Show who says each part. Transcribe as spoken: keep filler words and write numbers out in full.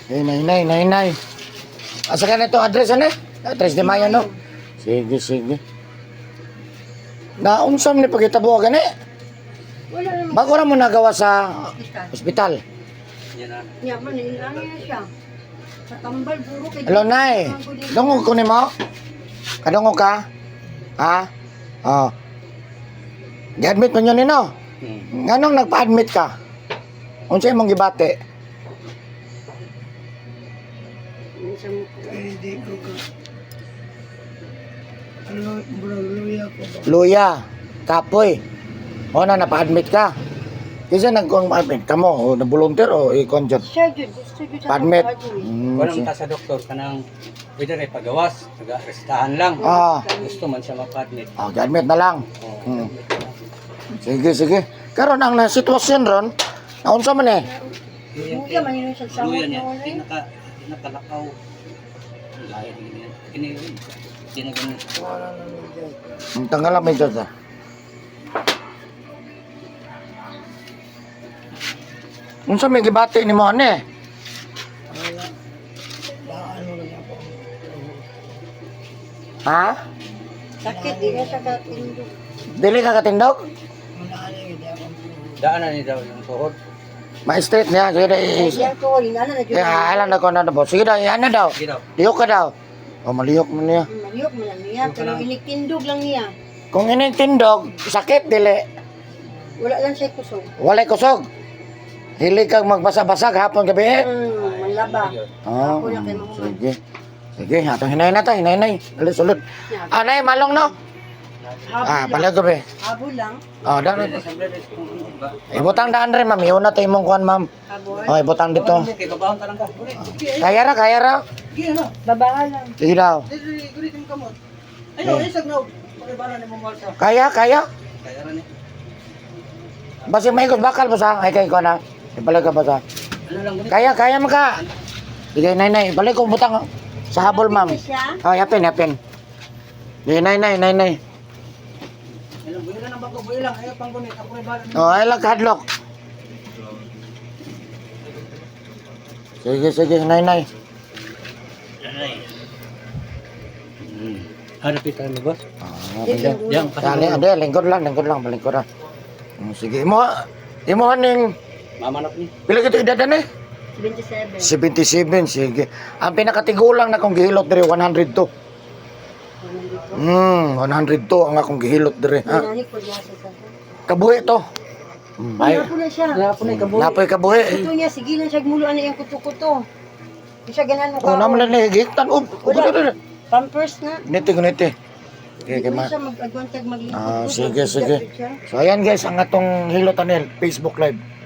Speaker 1: Eh, nay, nay, nay, nay. Asa ka na ito address, ano? Address di Maya, no? Sige, sige. Naunsam ni pagkitabo ka ni?
Speaker 2: Wala naman.
Speaker 1: Bago na mo nagawa sa ospital.
Speaker 3: Yan na.
Speaker 2: Niya man, nilang niya siya. Sa tambal, puro kay...
Speaker 1: Hello, nay. Dungog ko ni mo? Kadungog ka? Ha? Oh. Gi-admit mo nyo ni, no?
Speaker 3: Hmm.
Speaker 1: Nganong nagpa-admit ka? Unsay mong gibate?
Speaker 2: Hindi ko ka. Ano, bro, luya ko ba?
Speaker 1: Luya, kapoy. O na, napa-admit ka. Kasi nag-admit ka mo, o na-volunteer o i-conjure.
Speaker 2: Siya, Jud. Gusto Jud sa
Speaker 1: Pa-admit.
Speaker 2: trabaho, eh.
Speaker 1: Mm,
Speaker 3: Kung
Speaker 1: si-
Speaker 3: ta sa doktor, kanang pwede rin pagawas, nag-arrestahan lang.
Speaker 1: Ah,
Speaker 3: Gusto man siya mapa-admit.
Speaker 1: oh, admit na lang.
Speaker 3: Oh,
Speaker 1: Hmm. Sige, sige. Karon ang na sitwasyon ron, naunsa man eh.
Speaker 2: Luya, man yun siya sa
Speaker 3: Luya
Speaker 2: samot
Speaker 3: niya,
Speaker 2: mo, eh.
Speaker 3: pinaka, pinakalakaw. Lahat niya. Kini, kini ganun.
Speaker 1: Ang tanggal lang medyo sa. Unsa may gibati ni mo ane? Ha?
Speaker 2: Sakit, di na siya katindo.
Speaker 1: Dili ka katindog?
Speaker 3: Daanan ni daw yung tuhod.
Speaker 1: Ma-straight niya. Sige na, i-
Speaker 2: Siya ko, linana na Jud.
Speaker 1: kaya alam na ko na po. Sige na, ano daw?
Speaker 3: Sige daw.
Speaker 1: Liyok ka daw. O, maliyok mo niya.
Speaker 2: Maliyok mo lang niya, pero inikindog lang niya.
Speaker 1: Kung inintindog, sakit, dili.
Speaker 2: Wala lang siya kusog.
Speaker 1: Walay kusog. Hili kang magbasa-basag hapon gabi eh.
Speaker 2: Hmm, malaba.
Speaker 1: Oh,
Speaker 2: Ako na kay Mama.
Speaker 1: sige. Sige, ato hinay na tayo, hinay, hinay. Alis, ulit. Ah, nay, malong no? Ah,
Speaker 2: Habol lang.
Speaker 1: palag gabi.
Speaker 2: Habol lang.
Speaker 1: Oh, daan.
Speaker 3: Siyempre, kung hindi ba?
Speaker 1: Ibutang daan rin, ma'am. Iuna tayo mong kuhan, ma'am.
Speaker 2: Habol.
Speaker 1: Oh, ibutang dito.
Speaker 3: Okay, babahon ka lang ka.
Speaker 1: Kaya ra, kaya ra.
Speaker 3: Sige na.
Speaker 2: Babaha lang.
Speaker 1: Sige daw.
Speaker 3: Dili, gulit yung kamot. Ayun, isag na. Pagkabala ni mong walsa.
Speaker 1: Kaya, kaya.
Speaker 3: Kaya rin eh.
Speaker 1: Basi may ikot bakal ba sa? Ay, kayo ko na. Ipalag ka ba sa?
Speaker 3: Ano lang, gulit.
Speaker 1: Kaya, kaya mo ka. Sige, nay, nay. Ibalik ko butang sa habol, ma'am.
Speaker 2: Hindi siya.
Speaker 1: Oh, yapin, yapin. Sige, nay, nay, nay, nay.
Speaker 3: Ayun, buhay lang ang bago, buhay lang. Ayaw pang gunit. Ako ay bala.
Speaker 1: Oh, ay lang, hadlock. Sige, sige, nay, nay.
Speaker 3: Hmm. Hanapin tayo mo, boss?
Speaker 1: Ah, sige.
Speaker 3: Yan,
Speaker 1: Dali, ade, lingkod lang, lingkod lang, balingkod lang. Mm, sige, imo, imo haning,
Speaker 3: Mamanap ni.
Speaker 1: pila kita edad na eh?
Speaker 2: twenty-seven.
Speaker 1: seventy-seven, sige. Ang pinakatigulang na kong gihilot dire, one hundred two. Hmm, one hundred two ang akong gihilot dire. Ha?
Speaker 2: Nanay ko niya sa sa.
Speaker 1: Kabuhi to. Hmm,
Speaker 2: Ay,
Speaker 1: ay,
Speaker 2: po na siya.
Speaker 3: Kaya po na ikabuhi.
Speaker 1: napoy kabuhi.
Speaker 2: Ito niya, sige lang siya gumulo ano yung kuto-kuto. Hindi siya ganan mo
Speaker 1: Oh, naman na higiktan. Oh,
Speaker 2: Wala. Pampers na.
Speaker 1: niti ko niti. Okay,
Speaker 2: Hindi
Speaker 1: kay ma.
Speaker 2: siya mag-agwantag maglipat.
Speaker 1: Ah, sige, sige. So ayan guys, ang atong hilot anel, Facebook Live.